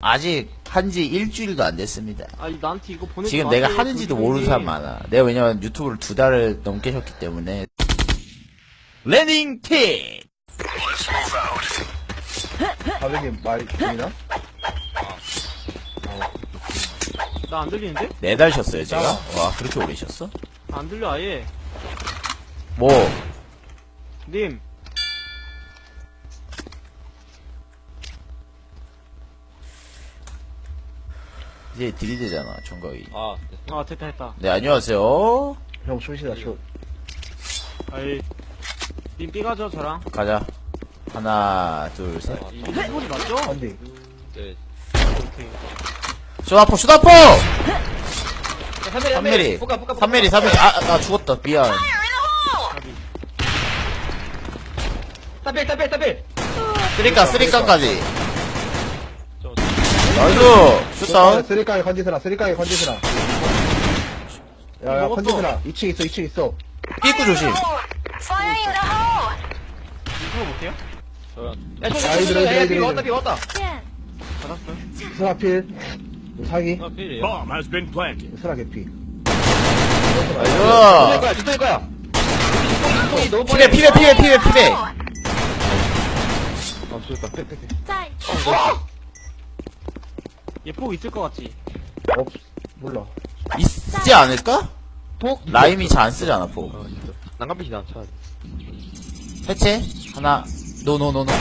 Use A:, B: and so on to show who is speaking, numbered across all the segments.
A: 아직 한지 일주일도 안 됐습니다.
B: 아니 나한테 이거 보내지
A: 지금
B: 마세요.
A: 내가 하는지도 모르는 사람 많아. 내가 왜냐면 유튜브를 2달을 넘게 했기 때문에. 레닝 팁!
C: 가격이 말이 보이나?
B: 나 안 들리는데?
A: 4달 쉬었어요, 제가? 와, 그렇게 오래 쉬었어?
B: 안 들려 아예.
A: 뭐,
B: 님.
A: 이제 들이대잖아, 총각이.
B: 아 됐다 됐다.
A: 네, 안녕하세요.
C: 형 숏이다 숏.
B: 아이. 님 삐가죠 저랑.
A: 가자. 하나, 둘, 셋.
B: 이 소리 맞죠?
C: 안돼.
B: 오케이.
A: 쇼다포, 쇼다포! 3mm.
B: 볶아.
A: 3mm. 아, 나 죽었다. 미안.
B: 따빌.
A: 쓰리깡까지. 나이스! 슛다운.
C: 쓰리깡에 건지스라. 야야
B: 먹었어.
C: 건지스라. 2층 있어.
A: 삐꾸 조심.
B: 이거 못해요?
C: 아이들.
B: 받았어.
C: 스라필. 사기.
D: Bomb has been planted.
C: 스라 개피.
A: 나이스!
B: 주택 거야.
A: 피베.
C: 아 쏘였다. 빼.
B: 얘폭 있을 것 같지?
C: 몰라.
A: 있지 않을까?
B: 폭?
A: 라임이 잘 안 쓰잖아, 포.
B: 난간빛이 나 차.
A: 해체? 하나. 노.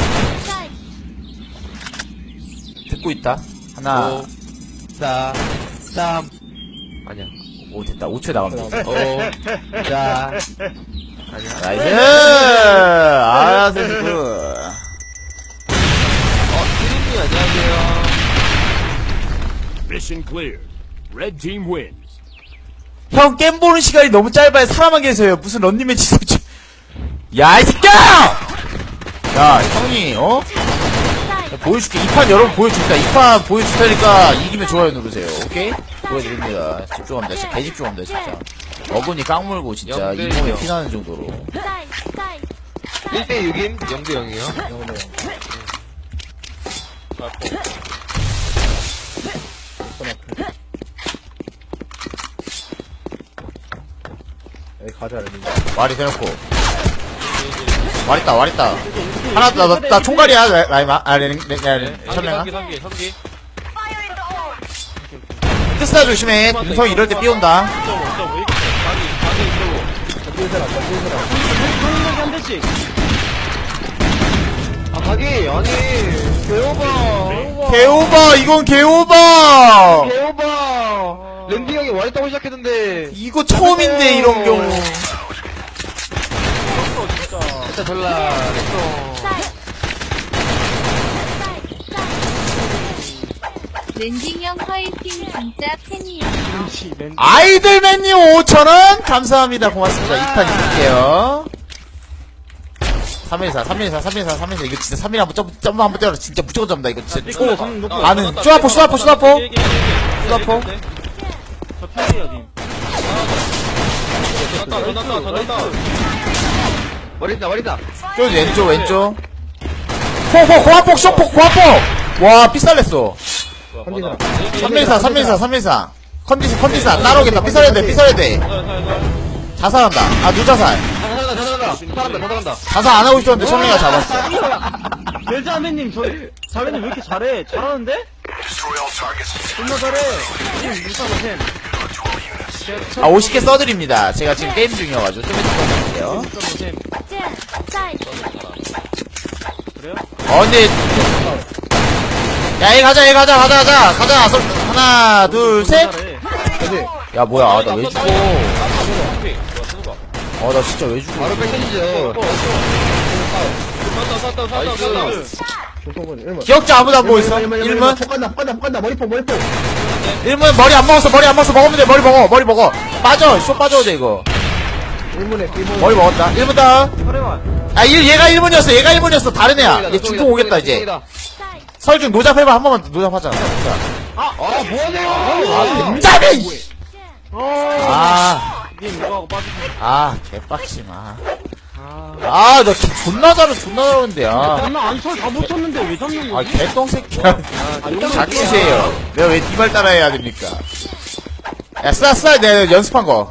A: 듣고 있다. 하나.
B: 4, 3. 아니야.
A: 오, 됐다. 5초에 나가면 돼.
B: 5, 4.
A: 나이스! 아, 센스 굿.
B: 피디님 안녕하세요.
D: Mission cleared. Red team wins.
A: 형, 게임 보는 시간이 너무 짧아요. 사람만 계세요. 무슨 런닝맨 지속주. 야, 이 새끼야! 야, 형이, 야, 보여줄게. 2판 여러분 보여줄까? 2판 보여줄 테니까 이기면 좋아요 누르세요. 오케이? 보여드립니다. 집중합니다. 진짜 개집중합니다, 진짜. 어근이 깡물고, 진짜. 이 몸에 피나는 정도로.
B: 1대 6임? 0대 0이요?
C: 영어네요. 여기 가자 여기.
A: 말이 대놓고. 말 있다. 하나, 나 총괄이야, 라이마. 천명아.
B: 3기.
A: 뜻사 조심해. 눈성 이럴 때 삐온다.
B: 한 대씩. 아, 가기, 아니, 개오버.
A: 개오버, 이건 개오버!
B: 개오버. 랜디 형이 와있다고 시작했는데.
A: 이거 처음인데, 이런 경우.
B: 진짜 졸라,
E: 랜딩 형 화이팅 진짜 팬이에요.
A: 아이들맨님 5,000원 감사합니다. 고맙습니다. 2판 이길게요. 314 이거 진짜 3일 한번 점프 한번 때려라. 진짜 무조건 잡는다. 이거 진짜 초 가는 쇼다포
B: 저 팬이에요, 님. 더 머리다.
A: 저 왼쪽 고압폭 쇼폭 와 삐살냈어.
C: 건지스라.
A: 314 컨디션 따라오겠다. 삐살해야 돼 자살한다. 아 누자살
B: 잘한다.
A: 자살 안 하고 있었는데 천명이가 잡았어.
B: 벨자매님, 자매님 왜 이렇게 잘해? 잘하는데? 존나 잘해. 님, 유사보셈.
A: 아 50개 써드립니다. 제가 지금 게임 중이어가지고 좀 해줄게요.
B: 유사보셈. 그래요?
A: 근데 야, 얘 가자. 하나, 둘, 셋.
C: 그지?
A: 야, 뭐야, 나 왜 죽어? 나 진짜 왜 죽어?
B: 바로 백현이죠.
C: 조성근 1문.
A: 기억자 아무도 안 보고 있어? 1문?
C: 폭 간다. 머리폭.
A: 1문 머리 안 먹었어. 먹으면 돼. 머리 먹어. 빠져. 쇼 빠져도 돼, 이거.
C: 1문에 삐문.
A: 머리 먹었다. 1문 다운.
B: 혈액만.
A: 아, 얘가 1문이었어. 다른 애야. 얘 중통 오겠다, 이제. 설중 노잡해봐. 한 번만 노잡하자.
B: 뭐하세요?
A: 된다며! 아,
B: 님, 이거하고 빠지세요.
A: 개빡치마. 나 존나 잘하는데, 아.
F: 나 안철 다 못 쳤는데 왜 잡는
A: 아,
F: 거지?
A: 개똥새끼야. 닥치세요. 내가 왜 니말 따라해야 됩니까? 야, 쏴. 내가 연습한 거.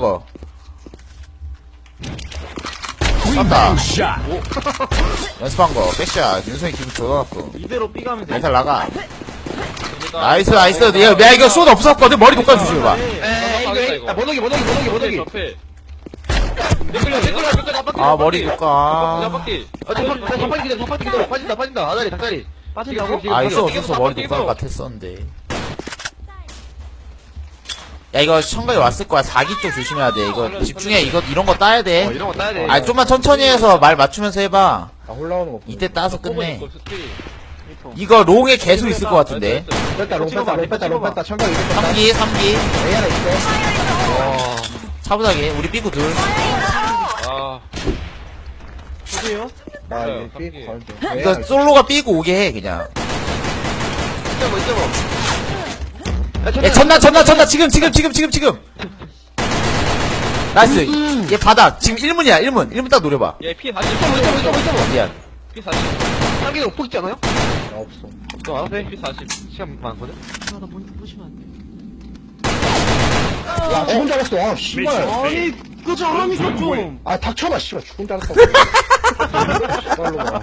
A: 쐈다.
D: Shot.
A: 연습한 거. 백샷. 윤성이 기분 좋아갖고.
F: 이대로 삐가면 돼.
A: 멘탈 나가. 나이스. 야, 이거 숏 없었거든? 머리 독감 조심해봐.
B: 이거 모독이
A: 아, 머리 독감.
B: 잡박기 기다려 빠진다 아다리 닭다리
F: 빠진다고?
A: 아, 있어. 머리 독감 같았었는데. 야, 이거 청각이 왔을 거야. 4기 쪽 조심해야 돼. 이거 집중해. 이런 거 따야 돼.
B: 이런 거 따야 돼
A: 아, 좀만 천천히 해서 말 맞추면서 해봐.
C: 아, 올라오는 거.
A: 이때 따서 끝내. 이거 롱에 계속 있을 것 같은데.
C: 뺐다, 롱 뺐다. 청각 이거 뺐다.
A: 3기.
C: A 하나 있어.
A: 차분하게. 우리 삐고 둘.
F: 보세요.
C: 나 이거 삐 걸게.
A: 이거 솔로가 삐고 오게 해, 그냥. 야, 전나. 지금. 나이스. 얘 받아. 지금 1문이야, 1문 딱 노려봐.
B: 얘피 40
A: 미안.
B: 피 40 상기가 없고 있지 않아요?
C: 나 없어.
B: 너 알아서 피 40 시간 많거든?
F: 나 보시면 안 돼.
C: 야, 죽은 줄 알았어. 아, 씨발.
F: 아니, 그거 잘하니까 좀.
C: 아, 닥쳐봐, 씨발. 죽은 줄 알았어. 씨발로 가.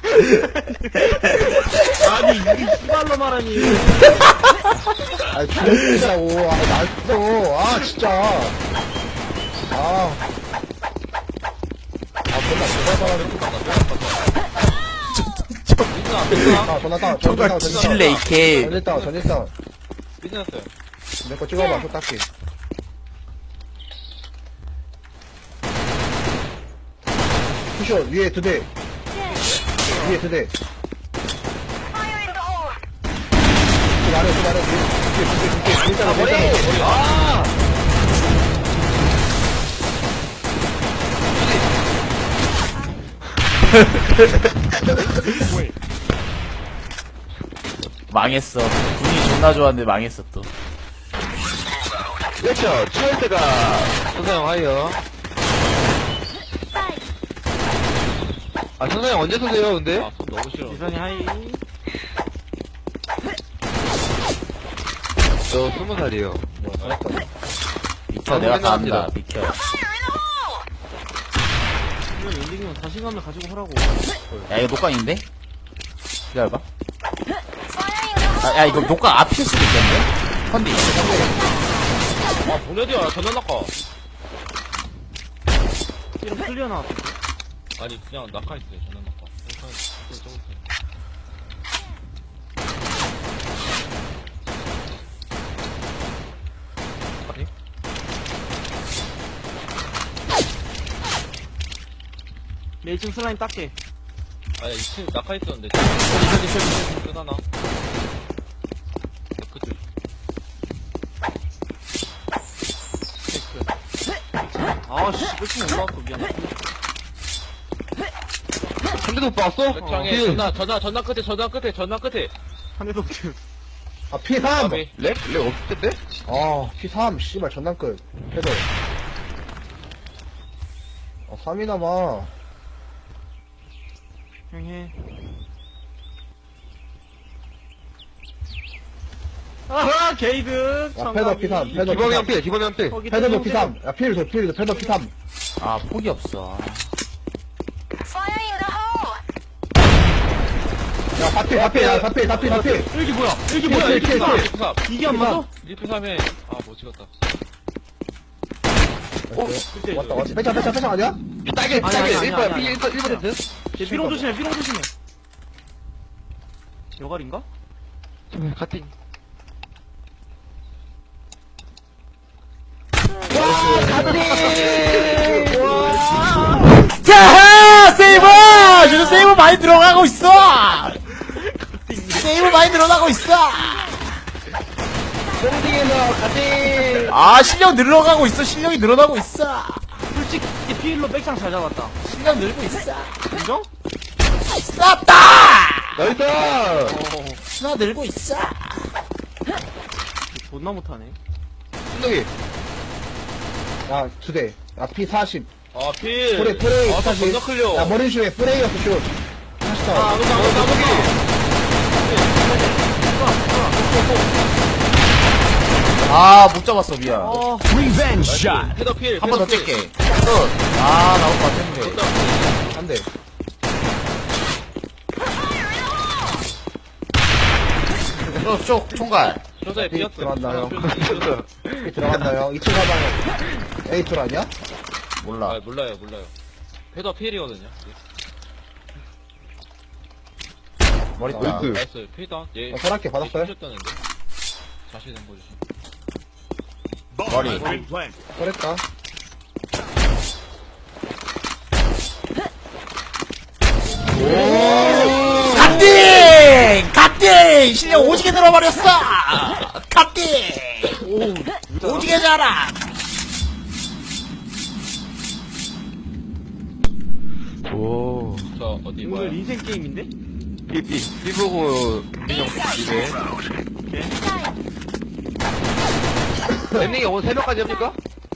F: 아니, 이게 씨발로 말하니.
C: 아, 죽은 줄 알고. 아, 나 알았어. 아, 진짜. 아. 존나 대단하네. 전화 따.
A: 정말 뒤질래, 이케.
C: 전했다.
B: 삐졌어요
C: 내 거 찍어봐, 소 닦기. 푸셔, 위에 2대. 위에 2대. 또 말해.
A: 망했어. 분위기 존나 좋았는데 망했어, 또.
B: 그렇죠 초월대가 선사형 하이요 선사형 언제 쏘세요 근데? 손 너무 싫어
F: 이선이 하이.
B: 저 20살이에요
A: 비켜, 내가 다 한다. 비켜.
F: 이런 엔딩은 자신감을 가지고 하라고.
A: 야, 이거 녹광인데? 기다려봐. 야, 이거 녹광 앞일 수도 있겠네? 컨디.
B: 보내디야 전화 낙하
F: 이런 클리어 나왔어.
B: 아니 그냥 낙하 있어요 전화 낙하
F: 내 2층 슬라임 닦게.
B: 아니 2층 낙하 있었는데 끝하나 그치
F: 아씨, 끝이 올라왔어. 미안해.
B: 한 대도 못 봤어?
F: 백창에
B: 전화 끝에
F: 한 대도 없지.
C: 아, P3!
B: 렉 없을 텐데?
C: 아, P3, 씨발, 전담끝. 패드. 3이나 봐.
F: 형 해. 아하, 게이드.
C: 야, 패더 P3, 패더
B: 기범이
C: P3.
B: 기범이 한 필.
C: 패더도 P3. 야, 필 패더 P3.
A: 아, 폭이 없어.
C: 야, 다필.
F: 이게 뭐야? 이게 뭐야? 이게 뭐야? 이게 안 맞아?
B: 리프 3에 못 찍었다.
F: 그때.
C: 왔다. 패창 아니야?
B: 딸게
F: 아니야.
B: 1번
F: 삐롱 조심해. 여갈인가?
B: 같은
A: 자, 세이브! 요즘 세이브 많이 들어가고 있어! 세이브 많이 늘어나고 있어! 아, 실력이 늘어나고 있어!
F: 솔직히 피일로 백창 잘 잡았다.
A: 실력 늘고 있어!
F: 인정?
A: 쐈다!
B: 나이스!
A: 신화 늘고 있어!
F: 존나 못하네.
B: 신동이.
C: 야, 2대. 야, P40.
F: 아, 필.
C: 프레이
F: 아,
C: 다시.
F: 존나 클리어.
C: 야, 머리 슈에 프레이였어, 슛. 다시
F: 아,
C: 다.
A: 아, 못 잡았어, 미안.
D: Revenge shot.
F: 헤더 필.
A: 한 번 더
F: 헤더 필.
A: 찔게. 끝. 아, 나올 것 같았는데.
F: 존나 필.
C: 안 돼.
A: 쪽, 총갈.
F: 조사에
C: 삐
F: 비었어.
C: 들어간다, 형.
F: 비었어.
C: 삐 들어간다, 형. 2층 가방 A2 아니야?
A: 몰라.
F: 아, 몰라요. 헤더 필이거든요.
A: 머리
C: 아,
A: 따.
C: 나이스.
F: 나이스. 필다. 얘.
C: 설악게 받았어요?
F: 셨다는데 자신 한 보여주시.
D: Bomb
A: Buddy.
D: has been planted.
C: 그랬다.
A: 갓띵! 갓띵! 실력 오지게 늘어버렸어! 갓띵! 오지게 잘하!
F: 자, 어디 뭐야?
B: 오늘 인생 게임인데? 삐 보고 민영 집에. 랜딩이 오늘 새벽까지 합니까?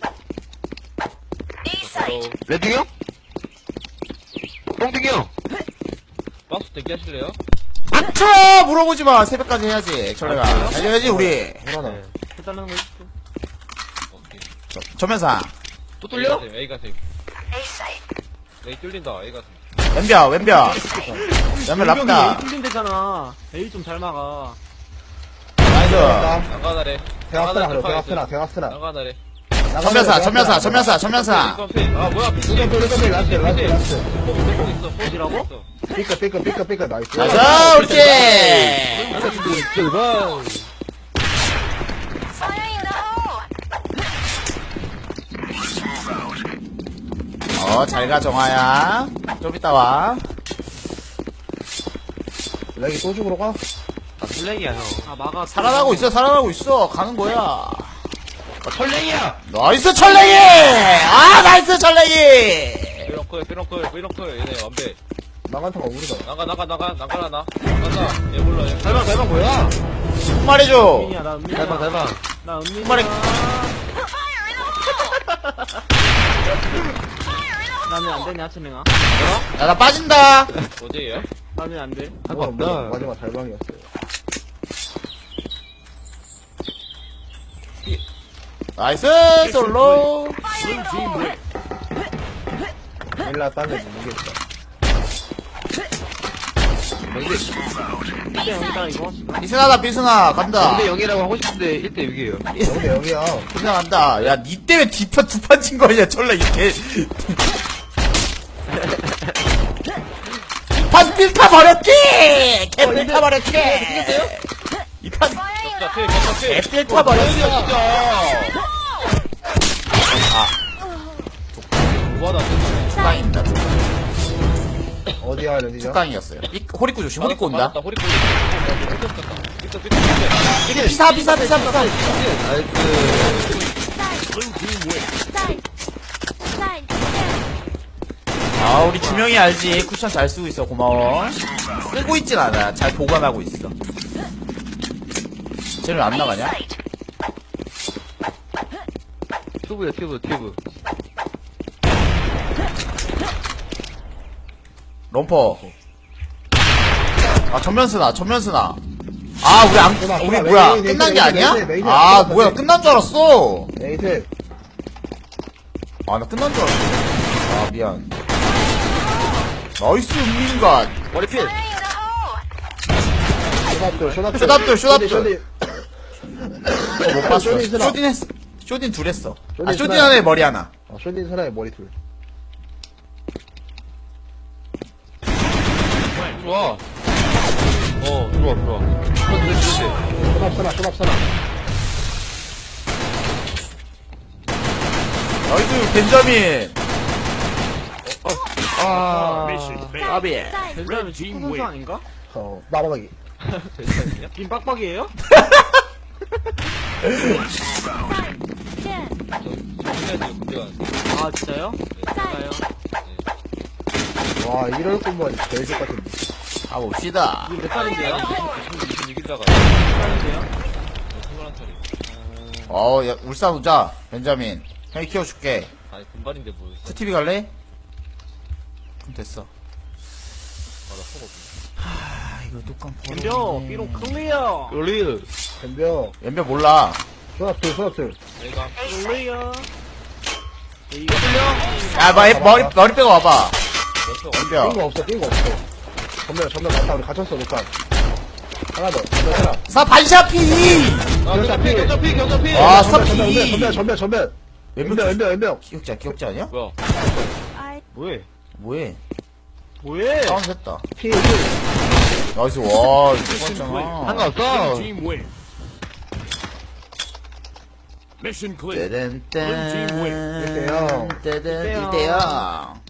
F: 바로
B: 랜딩이 형? 뽕딩이 형?
F: 박스 대기하실래요?
A: 아트! 물어보지 마! 새벽까지 해야지, 전래가. 달려야지, 우리.
C: 불안하.
B: 해달라는 거 해줄게.
F: 오케이.
A: 전면사.
B: 또 뚫려?
F: A 가세요. A 뚫린다. A 가세요.
A: 왼벼, 왼벼. 왼벼 랍다.
B: 뚫린 데잖아. A 좀 잘 막아.
A: 나이스.
F: 난가나래.
C: 대학스나, 그래. 대학스나.
F: 난가나래.
A: 전면사.
F: 아, 뭐야?
C: 라스트.
F: 뽕 있어.
B: 어디라고?
C: 삐끗. 나이스.
A: 나이스, 옳지! 잘 가, 정아야. 좀 이따 와.
C: 렉이 또 죽으러 가?
B: 블랙이야, 형. 아, 막아.
A: 살아나고 있어. 가는 거야.
B: 설랭이야!
A: 나이스, 철랭이! 아, 나이스, 철랭이!
F: 삐렁클. 얘네 완배.
C: 나간타가 우리다.
F: 나가나. 얘 몰라. 얘
B: 달방 뭐야?
A: 한 마리 줘.
B: 은민이야, 나 은민이야.
C: 달방.
B: 나 은민이야.
A: 말해.
B: 나는 안 되냐, 치명아?
A: 야, 나 빠진다.
F: 어디에요?
B: 나는 안 돼.
C: 마지막 달방이었어요.
A: 나이스, 솔로.
D: Blue team win.
C: 일라 딴데 모르겠다.
B: 이때 여기다 이거.
A: 비스나, 간다.
B: 0대 0이라고 하고 싶은데 1대 6이에요.
C: 0대 0이야.
A: 비스나 간다. 야, 니 때문에 두 판 친 거 아니야, 철라, 이게. 이판 필타 버렸기! 개 필타 버렸기! 이판, 개 필타 버렸어.
F: 뭐하다.
A: tuk강입니다,
C: 어디야, 렌디죠?
A: tuk강이었어요. 호리꾸 조심, 호리꾸 온다.
F: 호리꼬.
A: 비사.
D: Blue team win.
A: 아, 우리 주명이 알지. 쿠션 잘 쓰고 있어. 고마워. 쓰고 있진 않아. 잘 보관하고 있어. 쟤는 왜 안 나가냐?
B: 튜브.
A: 럼퍼. 아, 전면스나. 아, 우리 뭐야. 끝난 게 아니야? 아, 뭐야. 끝난 줄 알았어.
C: 에이트.
A: 아, 나 끝난 줄 알았어. 아, 미안. 나이스, 은민간.
B: 머리필.
C: 쇼답들.
A: 못 봤어.
C: 쇼딘 스나.
A: 쇼딘 했어. 쇼딘 둘 했어. 아,
C: 쇼딘
A: 쇼딘
C: 스나.
A: 하나에 머리 하나.
C: 쇼딘 사나의 머리 둘.
F: 들어와. 들어와.
C: 쇼답.
A: 나이스, 벤자민.
D: Mission failed.
A: 까비.
D: Red team
B: 훈수
D: win.
B: 아닌가?
C: 마바닥이.
B: 김 빡빡이에요? 아, 진짜요? 맞아요.
C: 와, 이럴 거면 제일 좋 같은데.
A: 가봅시다.
B: 이게 몇 살인데요?
F: 26일다가.
B: 몇 살인데요?
F: 21살이.
A: 야, 울산 오자. 벤자민. 형이 키워줄게.
F: 아니 금발인데 뭐.
A: 쿠티비 갈래? 그럼 됐어.
F: 아나 속었네.
A: 아, 이거 뚜껑
F: 덤벼. 삐롱 클리어.
B: 롤리.
C: 덤벼.
A: 왼벽 몰라.
C: 소나트.
F: 내가 클리어.
A: 야, 머리 빼고 와봐. 왼벽.
C: 뛴거 없어, 뛴거 없어. 전면 맞다, 우리 갇혔어, 녹화. 하나 더, 전면 하나.
A: 사 반샤피!
B: 경자피.
A: 와,
C: 전면,
A: 사피!
C: 전면. 왼병.
A: 기억자 아니야?
F: 뭐야?
B: 뭐해?
A: 뭐해? 다운 됐다.
C: 피,
A: 나이스, 와, 이거 봤잖아.
B: 상관없어.
D: Blue team win. Mission clear.
A: 떼든,
D: Blue team win.
A: 떼든, 1대0.